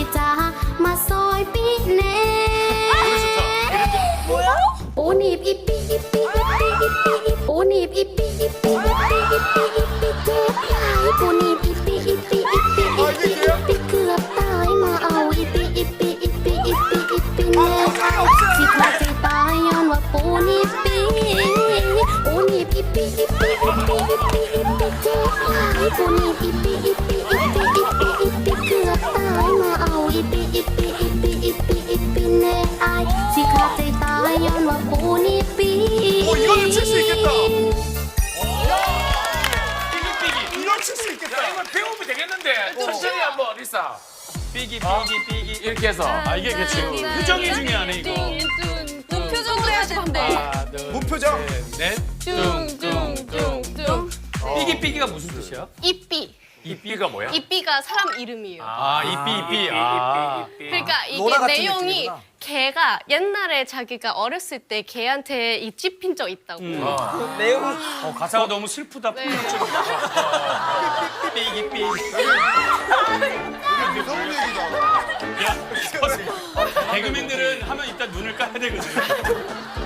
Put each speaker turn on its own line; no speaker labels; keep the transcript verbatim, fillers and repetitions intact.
จ้ามาซอยปีแน่ปูหนีบอีปีอีปีอีปีอีปีอีปูหนีบอีปีอีปีอีปีอีปีอีปีเจ็บหลายปูหนีบอีปีอีปีอีปีอีปีอีปีเกือบตายมาเอาอีปีอีปีอีปีอีปีอีปีแน่สิขาดใจตายย้อนว่าปูหนีบปีปูหนีบอีปีอีปีอีปีอีปีอีปีเจ็บหลายปูหนีบอีปีอีปีอีปีอีปีอีปีเกือบตายมาเอาอีปีอีปีอีปีอีปีอีปีแน่อายสิขาดใจตายย้อนว่าปูหนีบปี
오, 이거는 칠 수 있겠다.
삐기 삐기.
이거 칠 수 있겠다.
야, 이거 배우면 되겠는데. 천천히 한번 리사.
삐기
어?
삐기 삐기
이렇게 해서.
아 이게 그치 표정이 중요하네 이거
무표정으로 해야 되는데.
하나
무표정.
둘셋넷
뚱뚱뚱뚱.
삐기 삐기가 무슨 뜻이야?
이삐.
이 삐가 뭐야?
이삐가 사람 이름이에요.
아 이삐 이삐 아
삐, 삐, 삐.
그러니까 이게
로라 같은
내용이
느낌이구나.
걔가 옛날에 자기가 어렸을 때 걔한테 이 찝힌 적 있다고.
어, 가사가 너무 슬프다
네.
삐기 삐기
무서운 얘기다.
야 개그맨들은 하면 일단 눈을 까야 되거든